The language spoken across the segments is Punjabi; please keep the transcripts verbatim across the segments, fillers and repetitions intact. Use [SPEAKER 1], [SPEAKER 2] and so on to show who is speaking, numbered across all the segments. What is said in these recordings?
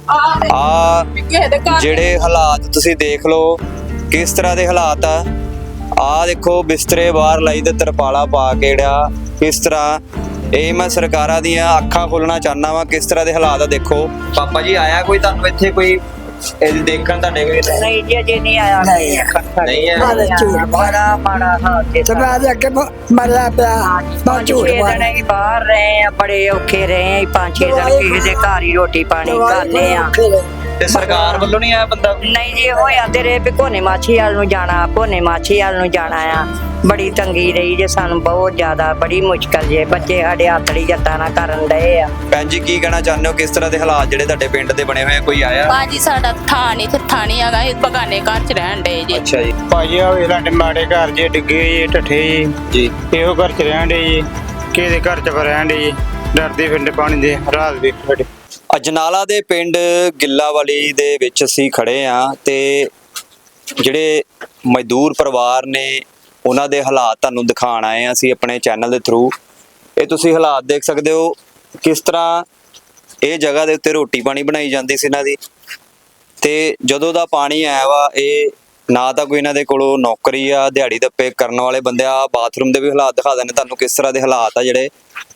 [SPEAKER 1] ਆ ਜਿਹੜੇ ਹਾਲਾਤ ਤੁਸੀਂ ਦੇਖ ਲਓ ਕਿਸ ਤਰ੍ਹਾਂ ਦੇ ਹਾਲਾਤ ਆ। ਆ ਦੇਖੋ ਬਿਸਤਰੇ ਬਾਹਰ ਲਾਈ ਤੇ ਤਰਪਾਲਾ ਪਾ ਕੇ ਜਿਹੜਾ ਕਿਸ ਤਰ੍ਹਾਂ, ਇਹ ਮੈਂ ਸਰਕਾਰਾਂ ਦੀਆਂ ਅੱਖਾਂ ਖੋਲਣਾ ਚਾਹਨਾ ਵਾ ਕਿਸ ਤਰ੍ਹਾਂ ਦੇ ਹਾਲਾਤ ਆ। ਦੇਖੋ ਪਾਪਾ ਜੀ ਆਇਆ ਕੋਈ ਤੁਹਾਨੂੰ ਇੱਥੇ ਕੋਈ ਇਹ ਦੇਖਣ ਤੁਹਾਡੇ ਕੋਲ?
[SPEAKER 2] ਨਹੀਂ ਜੀ ਅਜੇ ਨਹੀਂ ਆਇਆ।
[SPEAKER 1] ਨਹੀਂ ਹੈ
[SPEAKER 2] ਬੜਾ ਮਾੜਾ ਹਾਲ ਤੇ
[SPEAKER 3] ਸਭਾ ਦੇ ਅੱਗੇ ਮਰਿਆ ਪਿਆ ਬਹੁਤ ਝੂਠ ਮਾਰਿਆ।
[SPEAKER 2] ਅਸੀਂ ਬਾਹਰ ਰਹੇ ਆ, ਬੜੇ ਔਖੇ ਰਹੇ ਆ। ਪੰਜ ਛੇ ਦਿਨ ਕਿਸੇ ਦੇ ਘਰ ਹੀ ਰੋਟੀ ਪਾਣੀ ਖਾਂਦੇ ਆ।
[SPEAKER 1] ਤੇ ਸਰਕਾਰ ਵੱਲੋਂ ਨਹੀਂ ਆਇਆ ਬੰਦਾ?
[SPEAKER 2] ਨਹੀਂ ਜੀ ਹੋਇਆ ਤੇ ਰੇ ਵੀ ਕੋਨੇ ਮਾਛੀ ਵਾਲ ਨੂੰ ਜਾਣਾ, ਕੋਨੇ ਮਾਛੀ ਵਾਲ ਨੂੰ ਜਾਣਾ ਆ। ਬੜੀ ਤੰਗੀ ਰਹੀ ਜੇ ਸਾਨੂੰ, ਬਹੁਤ ਜ਼ਿਆਦਾ, ਬੜੀ ਮੁਸ਼ਕਲ ਜੇ। ਬੱਚੇ ਸਾਡੇ ਹੱਥੜੀ ਜੱਟਾਂ ਨਾਲ ਕਰਨ ਡਏ ਆ।
[SPEAKER 1] ਭੈਣ ਜੀ ਕੀ ਕਹਿਣਾ ਚਾਹੁੰਦੇ ਹੋ ਕਿਸ ਤਰ੍ਹਾਂ ਦੇ ਹਾਲਾਤ ਜਿਹੜੇ ਤੁਹਾਡੇ ਪਿੰਡ ਦੇ ਬਣੇ ਹੋਏ ਆ? ਕੋਈ ਆਇਆ?
[SPEAKER 4] ਭਾਜੀ ਸਾਡਾ ਥਾਂ ਨਹੀਂ ਥਾਂ ਨਹੀਂ ਹੈਗਾ, ਇਹ ਬਗਾਨੇ ਘਰ ਚ ਰਹਿਣ ਡਏ ਜੀ।
[SPEAKER 1] ਅੱਛਾ ਜੀ।
[SPEAKER 5] ਭਾਜੀ ਆ ਵੇ ਸਾਡੇ ਮਾੜੇ ਘਰ ਜੇ ਡਿੱਗੇ ਜੇ ਢੱਠੇ ਜੀ
[SPEAKER 1] ਜੀ
[SPEAKER 5] ਇਹੋ ਘਰ ਚ ਰਹਿਣ ਡੇ ਜੀ, ਕਿਸੇ ਦੇ ਘਰ ਚ ਰਹਿਣ ਡੇ ਜੀ, ਡਰਦੇ ਫਿਰਦੇ ਪਾਣੀ ਦੇ ਰਾਤ ਦੇ ਸਾਡੇ।
[SPEAKER 1] ਅਜਨਾਲਾ ਦੇ ਪਿੰਡ ਗਿੱਲਾਵਾਲੀ ਦੇ ਵਿੱਚ ਅਸੀਂ ਖੜੇ ਆ ਤੇ ਜਿਹੜੇ ਮਜ਼ਦੂਰ ਪਰਿਵਾਰ ਨੇ ਉਹਨਾਂ ਦੇ ਹਾਲਾਤ ਤੁਹਾਨੂੰ ਦਿਖਾਉਣ ਆਏ ਆ ਅਸੀਂ ਆਪਣੇ ਚੈਨਲ ਦੇ ਥਰੂ। ਇਹ ਤੁਸੀਂ ਹਾਲਾਤ ਦੇਖ ਸਕਦੇ ਹੋ ਕਿਸ ਤਰ੍ਹਾਂ ਇਹ ਜਗ੍ਹਾ ਦੇ ਉੱਤੇ ਰੋਟੀ ਪਾਣੀ ਬਣਾਈ ਜਾਂਦੀ ਸੀ ਇਹਨਾਂ ਦੀ। ਤੇ ਜਦੋਂ ਦਾ ਪਾਣੀ ਆਇਆ ਵਾ ਇਹ ਨਾ ਤਾਂ ਕੋਈ ਇਹਨਾਂ ਦੇ ਕੋਲੋਂ ਨੌਕਰੀ ਆ, ਦਿਹਾੜੀ ਦੱਪੇ ਕਰਨ ਵਾਲੇ ਬੰਦੇ ਆ। ਬਾਥਰੂਮ ਦੇ ਵੀ ਹਾਲਾਤ ਦਿਖਾ ਦਿੰਦੇ ਤੁਹਾਨੂੰ ਕਿਸ ਤਰ੍ਹਾਂ ਦੇ ਹਾਲਾਤ ਆ। ਜਿਹੜੇ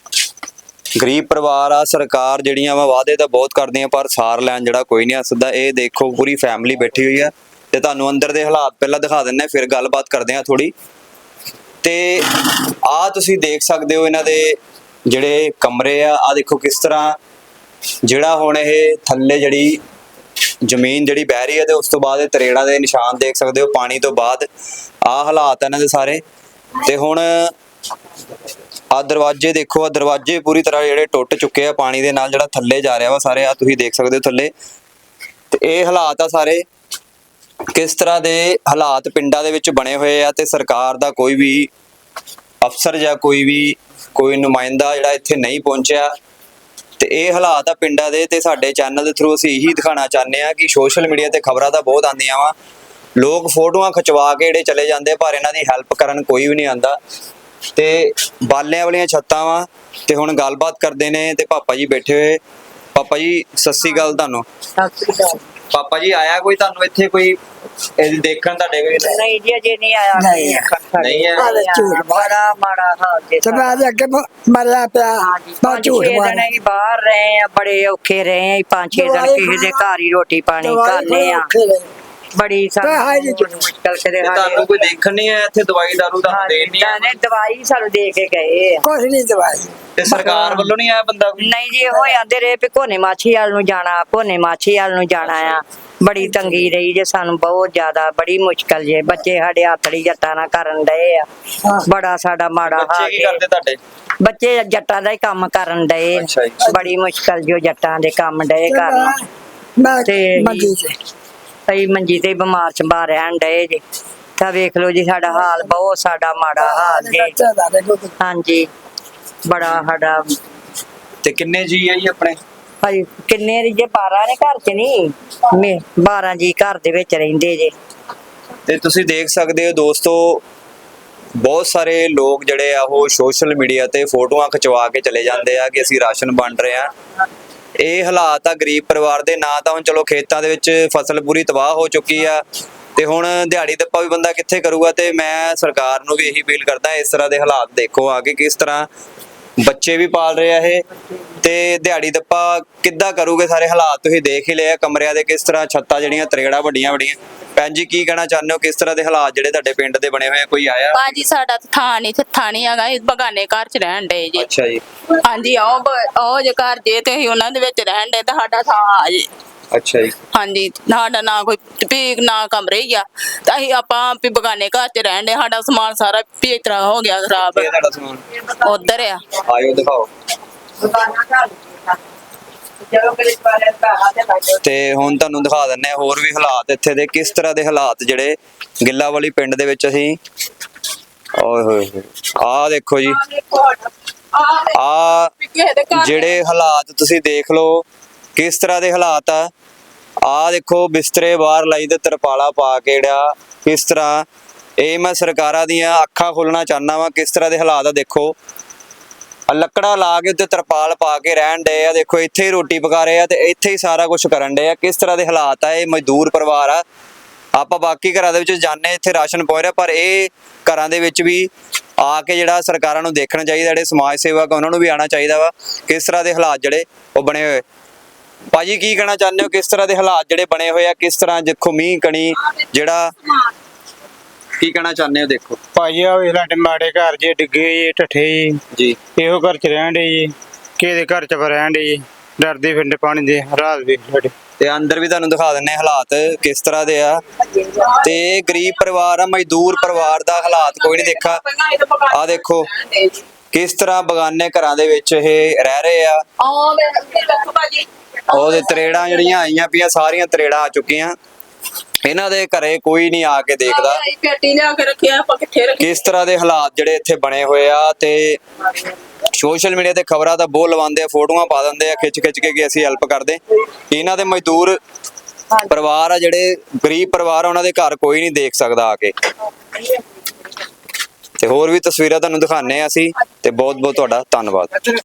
[SPEAKER 1] ਗਰੀਬ ਪਰਿਵਾਰ ਆ, ਸਰਕਾਰ ਜਿਹੜੀਆਂ ਵਾ ਵਾਅਦੇ ਤਾਂ ਬਹੁਤ ਕਰਦੀਆਂ ਪਰ ਸਾਰ ਲੈਣ ਜਿਹੜਾ ਕੋਈ ਨਹੀਂ ਆ ਸਕਦਾ। ਇਹ ਦੇਖੋ ਪੂਰੀ ਫੈਮਿਲੀ ਬੈਠੀ ਹੋਈ ਆ ਤੇ ਤੁਹਾਨੂੰ ਅੰਦਰ ਦੇ ਹਾਲਾਤ ਪਹਿਲਾਂ ਦਿਖਾ ਦਿੰਨੇ ਫਿਰ ਗੱਲਬਾਤ ਕਰਦੇ ਆ ਥੋੜੀ। ਤੇ ਆ ਤੁਸੀਂ ਦੇਖ ਸਕਦੇ ਹੋ ਇਹਨਾਂ ਦੇ ਜਿਹੜੇ ਕਮਰੇ ਆ। ਆ ਦੇਖੋ ਕਿਸ ਤਰ੍ਹਾਂ ਜਿਹੜਾ ਹੁਣ ਇਹ ਥੱਲੇ ਜਿਹੜੀ ਜ਼ਮੀਨ ਜਿਹੜੀ ਬਹਿ ਰਹੀ ਹੈ ਤੇ ਉਸ ਤੋਂ ਬਾਅਦ ਇਹ ਤਰੇੜਾਂ ਦੇ ਨਿਸ਼ਾਨ ਦੇਖ ਸਕਦੇ ਹੋ ਪਾਣੀ ਤੋਂ ਬਾਅਦ। ਆ ਹਾਲਾਤ ਇਹਨਾਂ ਦੇ ਸਾਰੇ। ਤੇ ਹੁਣ ਆ ਦਰਵਾਜ਼ੇ ਦੇਖੋ, ਆ ਦਰਵਾਜ਼ੇ ਪੂਰੀ ਤਰ੍ਹਾਂ ਜਿਹੜੇ ਟੁੱਟ ਚੁੱਕੇ ਆ ਪਾਣੀ ਦੇ ਨਾਲ, ਜਿਹੜਾ ਥੱਲੇ ਜਾ ਰਿਹਾ ਵਾ ਸਾਰੇ। ਆ ਤੁਸੀਂ ਦੇਖ ਸਕਦੇ ਹੋ ਥੱਲੇ। ਤੇ ਇਹ ਹਾਲਾਤ ਆ ਸਾਰੇ ਕਿਸ ਤਰ੍ਹਾਂ ਦੇ ਹਾਲਾਤ ਪਿੰਡਾਂ ਦੇ ਵਿੱਚ ਬਣੇ ਹੋਏ ਆ। ਤੇ ਸਰਕਾਰ ਦਾ ਕੋਈ ਵੀ ਅਫਸਰ ਜਾਂ ਕੋਈ ਵੀ ਕੋਈ ਨੁਮਾਇੰਦਾ ਜਿਹੜਾ ਇੱਥੇ ਨਹੀਂ ਪਹੁੰਚਿਆ। ਤੇ ਇਹ ਹਾਲਾਤ ਆ ਪਿੰਡਾਂ ਦੇ। ਤੇ ਸਾਡੇ ਚੈਨਲ ਦੇ ਥਰੂ ਅਸੀਂ ਇਹੀ ਦਿਖਾਉਣਾ ਚਾਹੁੰਦੇ ਆ ਕਿ ਸੋਸ਼ਲ ਮੀਡੀਆ ਤੇ ਖਬਰਾਂ ਤਾਂ ਬਹੁਤ ਆਉਂਦੀਆਂ ਵਾ, ਲੋਕ ਫੋਟੋਆਂ ਖਿਚਵਾ ਕੇ ਜਿਹੜੇ ਚਲੇ ਜਾਂਦੇ ਪਰ ਇਹਨਾਂ ਦੀ ਹੈਲਪ ਕਰਨ ਕੋਈ ਵੀ ਨਹੀਂ ਆਉਂਦਾ। ਤੇ ਬਾਲਿਆਂ ਵਾਲੀਆਂ ਛੱਤਾਂ ਵਾ। ਤੇ ਹੁਣ ਗੱਲਬਾਤ ਕਰਦੇ ਨੇ ਤੇ ਪਾਪਾ ਜੀ ਬੈਠੇ ਹੋਏ। ਪਾਪਾ ਜੀ ਸਤਿ ਸ੍ਰੀ ਅਕਾਲ ਤੁਹਾਨੂੰ। ਪਾਪਾ ਜੀ ਆਇਆ ਕੋਈ ਤੁਹਾਨੂੰ ਇੱਥੇ ਕੋਈ ਇਹ ਦੇਖਣ ਤੁਹਾਡੇ ਕੋਲ?
[SPEAKER 2] ਨਹੀਂ ਜੀ ਅਜੇ ਨਹੀਂ ਆਇਆ।
[SPEAKER 3] ਨਹੀਂ
[SPEAKER 1] ਨਹੀਂ ਹੈ
[SPEAKER 3] ਝੂਠ
[SPEAKER 2] ਬੜਾ ਮਾੜਾ ਹਾਲ ਤੇ
[SPEAKER 3] ਸਭਾ ਦੇ ਅੱਗੇ ਮਰਿਆ ਪਿਆ ਬਹੁਤ ਝੂਠ
[SPEAKER 2] ਦਿਨ
[SPEAKER 3] ਮਾਰਿਆ।
[SPEAKER 2] ਅਸੀਂ ਬਾਹਰ ਰਹੇ ਆ, ਬੜੇ ਔਖੇ ਰਹੇ ਆ। ਪੰਜ ਛੇ ਦਿਨ ਕਿਸੇ ਦੇ ਘਰ ਹੀ ਰੋਟੀ ਪਾਣੀ ਖਾਂਦੇ ਆ। ਬੜੀ ਸਾਨੂੰ ਮੁਸ਼ਕਲ ਕਰੇ।
[SPEAKER 1] ਤੇ ਤੁਹਾਨੂੰ ਕੋਈ ਦੇਖਣ ਨਹੀਂ ਆਇਆ ਇੱਥੇ? ਦਵਾਈ ਦਾਰੂ ਤੁਹਾਨੂੰ ਦੇਣ ਨਹੀਂ ਆਇਆ?
[SPEAKER 2] ਦਵਾਈ ਸਾਨੂੰ ਦੇ ਕੇ ਗਏ ਆ।
[SPEAKER 3] ਕੁਛ ਨਹੀਂ ਦਵਾਈ।
[SPEAKER 1] ਤੇ ਸਰਕਾਰ ਵੱਲੋਂ ਨਹੀਂ ਆਇਆ ਬੰਦਾ?
[SPEAKER 2] ਨਹੀਂ ਜੀ ਹੋਇਆ ਤੇ ਰੇ ਵੀ ਕੋਨੇ ਮਾਛੀ ਵਾਲ ਨੂੰ ਜਾਣਾ, ਕੋਨੇ ਮਾਛੀ ਵਾਲ ਨੂੰ ਜਾਣਾ ਆ। ਬੜੀ ਤੰਗੀ ਰਹੀ ਜੇ ਸਾਨੂੰ, ਬਹੁਤ ਜ਼ਿਆਦਾ, ਬੜੀ ਮੁਸ਼ਕਲ ਜੇ। ਬੱਚੇ ਸਾਡੇ ਹੱਥੜੀ ਜੱਟਾਂ ਨਾਲ ਕਰਨ ਡਏ ਆ। ਬੜਾ ਸਾਡਾ ਮਾੜਾ
[SPEAKER 1] ਬੱਚੇ
[SPEAKER 2] ਹਾਲ
[SPEAKER 1] ਕੀ ਕਰਦੇ ਤੁਹਾਡੇ?
[SPEAKER 2] ਬੱਚੇ ਜੱਟਾਂ ਦਾ ਹੀ ਕੰਮ ਕਰਨ ਡਏ। ਬੜੀ ਮੁਸ਼ਕਲ ਜੋ ਜੱਟਾਂ ਦੇ ਕੰਮ ਡਏ ਕਰਨ।
[SPEAKER 3] ਮੈਂ
[SPEAKER 2] ਤੇ
[SPEAKER 3] ਮੰਗੀ ਤੇ
[SPEAKER 2] ਕਈ ਮੰਜੀ ਤੇ ਬਿਮਾਰ ਚੰਬਾ ਰਹਿਣ ਡਏ ਜੇ। ਤਾਂ ਵੇਖ ਲਓ ਜੀ ਸਾਡਾ ਹਾਲ, ਬਹੁਤ ਸਾਡਾ ਮਾੜਾ ਹਾਲ ਜੇ। ਹਾਂਜੀ ਬੜਾ ਸਾਡਾ।
[SPEAKER 1] ਤੇ ਕਿੰਨੇ ਜੀ ਆ ਜੀ ਆਪਣੇ?
[SPEAKER 2] ਭਾਈ ਕਿੰਨੇ ਜੇ ਬਾਰਾਂ ਨੇ ਘਰ ਚ ਨਹੀਂ, ਬਾਰਾਂ ਜੀ ਘਰ ਦੇ ਵਿੱਚ ਰਹਿੰਦੇ ਜੇ।
[SPEAKER 1] ਤੇ ਤੁਸੀਂ ਦੇਖ ਸਕਦੇ ਹੋ ਦੋਸਤੋ ਬਹੁਤ ਸਾਰੇ ਲੋਕ ਜਿਹੜੇ ਆ ਉਹ ਸੋਸ਼ਲ ਮੀਡੀਆ ਤੇ ਫੋਟੋਆਂ ਖਿਚਵਾ ਕੇ ਚਲੇ ਜਾਂਦੇ ਆ ਕਿ ਅਸੀਂ ਰਾਸ਼ਨ ਵੰਡ ਰਹੇ ਆ। ਇਹ ਹਾਲਾਤ ਆ ਗਰੀਬ ਪਰਿਵਾਰ ਦੇ। ਨਾ ਤਾਂ ਹੁਣ ਚਲੋ ਖੇਤਾਂ ਦੇ ਵਿੱਚ ਫਸਲ ਪੂਰੀ ਤਬਾਹ ਹੋ ਚੁੱਕੀ ਆ ਤੇ ਹੁਣ ਦਿਹਾੜੀ ਦੱਪਾ ਵੀ ਬੰਦਾ ਕਿੱਥੇ ਕਰੂਗਾ। ਤੇ ਮੈਂ ਸਰਕਾਰ ਨੂੰ ਵੀ ਇਹੀ ਅਪੀਲ ਕਰਦਾ ਇਸ ਤਰ੍ਹਾਂ ਦੇ ਹਾਲਾਤ ਦੇਖੋ ਆ ਕੇ ਕਿਸ ਤਰ੍ਹਾਂ ਬੱਚੇ ਵੀ ਪਾਲ ਰਹੇ ਆ ਇਹ ਤੇ ਦਿਹਾੜੀ ਦੱਪਾ ਕਿੱਦਾਂ ਕਰੂਗੇ। ਸਾਰੇ ਹਾਲਾਤ ਤੁਸੀਂ ਦੇਖ ਹੀ ਲਿਆ ਕਮਰਿਆਂ ਦੇ ਕਿਸ ਤਰ੍ਹਾਂ, ਛੱਤਾਂ ਜਿਹੜੀਆਂ ਤਰੇੜਾਂ ਵੱਡੀਆਂ ਵੱਡੀਆਂ। ਭੈਣ ਜੀ ਕੀ ਕਹਿਣਾ ਚਾਹੁੰਦੇ ਹੋ ਕਿਸ ਤਰ੍ਹਾਂ ਦੇ ਹਾਲਾਤ ਜਿਹੜੇ ਤੁਹਾਡੇ ਪਿੰਡ ਦੇ ਬਣੇ ਹੋਏ ਆ? ਕੋਈ ਆਇਆ?
[SPEAKER 4] ਭਾਜੀ ਸਾਡਾ ਥਾਂ ਨਹੀਂ ਥਾਂ ਨਹੀਂ ਹੈਗਾ, ਇਹ ਬਗਾਨੇ ਘਰ ਚ ਰਹਿਣ ਡਏ ਜੀ।
[SPEAKER 1] ਅੱਛਾ ਜੀ।
[SPEAKER 4] ਹਾਂਜੀ ਉਹ ਉਹ ਜੇ ਘਰ ਜੇ ਤੇ ਅਸੀਂ ਉਹਨਾਂ ਦੇ ਵਿੱਚ ਰਹਿਣ ਡਏ ਤਾਂ ਸਾਡਾ ਥਾਂ ਆ ਜੀ।
[SPEAKER 1] ਅੱਛਾ ਜੀ।
[SPEAKER 4] ਹਾਂਜੀ ਸਾਡਾ ਨਾ ਕੋਈ ਪੀਕ ਨਾ ਕਮਰੇ ਹੀ ਆ ਤਾਂ ਅਸੀਂ ਆਪਾਂ ਵੀ ਬਗਾਨੇ ਘਰ ਚ ਰਹਿਣ ਡਏ। ਸਾਡਾ ਸਮਾਨ ਸਾਰਾ ਪੀਕ ਤਰ੍ਹਾਂ ਹੋ ਗਿਆ ਖਰਾਬ।
[SPEAKER 1] ਇਹ ਤੁਹਾਡਾ ਸਮਾਨ
[SPEAKER 4] ਉਧਰ ਆ।
[SPEAKER 1] ਆਇਓ ਦਿਖਾਓ। ਤੇ ਹੁਣ ਤੁਹਾਨੂੰ ਦਿਖਾ ਦਿੰਨੇ ਹੋਰ ਵੀ ਹਾਲਾਤ ਇੱਥੇ ਦੇ ਕਿਸ ਤਰ੍ਹਾਂ ਦੇ ਹਾਲਾਤ ਜਿਹੜੇ ਗਿੱਲਾਵਾਲੀ ਪਿੰਡ ਦੇ ਵਿੱਚ ਅਸੀਂ। ਓਏ ਹੋਏ ਹੋਏ ਆਹ ਦੇਖੋ ਜੀ, ਆ ਜਿਹੜੇ ਹਾਲਾਤ ਤੁਸੀਂ ਦੇਖ ਲਓ ਕਿਸ ਤਰ੍ਹਾਂ ਦੇ ਹਾਲਾਤ ਆ। ਆ ਦੇਖੋ ਬਿਸਤਰੇ ਬਾਹਰ ਲਾਈ ਤੇ ਤਰਪਾਲਾ ਪਾ ਕੇ ਜਿਹੜਾ ਕਿਸ ਤਰ੍ਹਾਂ, ਇਹ ਮੈਂ ਸਰਕਾਰਾਂ ਦੀਆਂ ਅੱਖਾਂ ਖੋਲਣਾ ਚਾਹਨਾ ਵਾ ਕਿਸ ਤਰ੍ਹਾਂ ਦੇ ਹਾਲਾਤ ਆ। ਦੇਖੋ ਆ ਲੱਕੜਾ ਲਾ ਕੇ ਉੱਤੇ ਤਰਪਾਲ ਪਾ ਕੇ ਰਹਿਣ ਡਏ ਆ। ਦੇਖੋ ਇੱਥੇ ਹੀ ਰੋਟੀ ਪਕਾ ਰਹੇ ਆ ਤੇ ਇੱਥੇ ਹੀ ਸਾਰਾ ਕੁਝ ਕਰਨ ਡਏ ਆ। ਕਿਸ ਤਰ੍ਹਾਂ ਦੇ ਹਾਲਾਤ ਆ, ਇਹ ਮਜ਼ਦੂਰ ਪਰਿਵਾਰ ਆ। ਆਪਾਂ ਬਾਕੀ ਘਰਾਂ ਦੇ ਵਿੱਚ ਜਾਂਦੇ ਇੱਥੇ ਰਾਸ਼ਨ ਪਹੁੰਚ ਰਿਹਾ, ਪਰ ਇਹ ਘਰਾਂ ਦੇ ਵਿੱਚ ਵੀ ਆ ਕੇ ਜਿਹੜਾ ਸਰਕਾਰਾਂ ਨੂੰ ਦੇਖਣਾ ਚਾਹੀਦਾ, ਜਿਹੜੇ ਸਮਾਜ ਸੇਵਕ ਉਹਨਾਂ ਨੂੰ ਵੀ ਆਉਣਾ ਚਾਹੀਦਾ ਵਾ ਕਿਸ ਤਰ੍ਹਾਂ ਦੇ ਹਾਲਾਤ ਜਿਹੜੇ ਉਹ ਬਣੇ ਹੋਏ। ਭਾਜੀ ਕੀ ਕਹਿਣਾ ਚਾਹੁੰਦੇ ਹੋ, ਕਿਸ ਤਰ੍ਹਾਂ ਦੇ ਹਾਲਾਤ ਜਿਹੜੇ ਬਣੇ ਹੋਏ ਆ, ਕਿਸ ਤਰ੍ਹਾਂ ਦੇਖੋ ਮੀਂਹ ਕਣੀ ਜਿਹੜਾ ਕੀ ਕਹਿਣਾ ਚਾਹੁੰਦੇ ਹੋ? ਦੇਖੋ
[SPEAKER 5] ਭਾਜੀ ਆ ਵੀ ਸਾਡੇ ਮਾੜੇ ਘਰ ਜੇ ਡਿੱਗੇ ਜੀ, ਢੱਠੇ ਜੀ,
[SPEAKER 1] ਜੀ
[SPEAKER 5] ਇਹੋ ਘਰ ਚ ਰਹਿਣ ਦੇ ਜੀ, ਕਿਸੇ ਦੇ ਘਰ ਚ ਰਹਿਣ ਦੇ ਜੀ, ਡਰਦੇ ਫਿਰਦੇ ਪਾਣੀ ਦੇ ਰਾਤ ਵੀ ਸਾਡੇ।
[SPEAKER 1] ਤੇ ਅੰਦਰ ਵੀ ਤੁਹਾਨੂੰ ਦਿਖਾ ਦਿੰਨੇ ਹਾਲਾਤ ਕਿਸ ਤਰ੍ਹਾਂ ਦੇ ਆ। ਤੇ ਇਹ ਗਰੀਬ ਪਰਿਵਾਰ ਆ, ਮਜ਼ਦੂਰ ਪਰਿਵਾਰ ਦਾ ਹਾਲਾਤ ਕੋਈ ਨਹੀਂ ਦੇਖਾ। ਆ ਦੇਖੋ ਕਿਸ ਤਰ੍ਹਾਂ ਬਗਾਨੇ ਘਰਾਂ ਦੇ ਵਿੱਚ ਇਹ ਰਹਿ ਰਹੇ ਆ। ਉਹਦੇ ਤਰੇੜਾਂ ਜਿਹੜੀਆਂ ਆਈਆਂ ਪਈਆਂ, ਸਾਰੀਆਂ ਤਰੇੜਾਂ ਆ ਚੁੱਕੀਆਂ। ਇਹਨਾਂ ਦੇ ਘਰੇ ਕੋਈ ਨਹੀਂ ਆ ਕੇ ਦੇਖਦਾ
[SPEAKER 4] ਪੇਟੀ ਲਿਆ ਕੇ ਰੱਖਿਆ, ਆਪਾਂ ਕਿੱਥੇ ਰੱਖੀ?
[SPEAKER 1] ਕਿਸ ਤਰ੍ਹਾਂ ਦੇ ਹਾਲਾਤ ਜਿਹੜੇ ਇੱਥੇ ਬਣੇ ਹੋਏ ਆ। ਤੇ ਸੋਸ਼ਲ ਮੀਡੀਆ ਤੇ ਖਬਰਾਂ ਦਾ ਬੋਲ ਲਵਾਉਂਦੇ ਆ, ਫੋਟੋਆਂ ਪਾ ਦਿੰਦੇ ਆ ਖਿੱਚ ਖਿੱਚ ਕੇ ਕਿ ਅਸੀਂ ਹੈਲਪ ਕਰਦੇ। ਇਹਨਾਂ ਦੇ ਮਜ਼ਦੂਰ ਪਰਿਵਾਰ ਆ, ਜਿਹੜੇ ਗਰੀਬ ਪਰਿਵਾਰ ਆ, ਉਹਨਾਂ ਦੇ ਘਰ ਕੋਈ ਨਹੀਂ ਦੇਖ ਸਕਦਾ ਆ ਕੇ। ਤੇ ਹੋਰ ਵੀ ਤਸਵੀਰਾਂ ਤੁਹਾਨੂੰ ਦਿਖਾਣੇ ਆ ਅਸੀਂ। ਤੇ ਬਹੁਤ ਬਹੁਤ ਤੁਹਾਡਾ ਧੰਨਵਾਦ।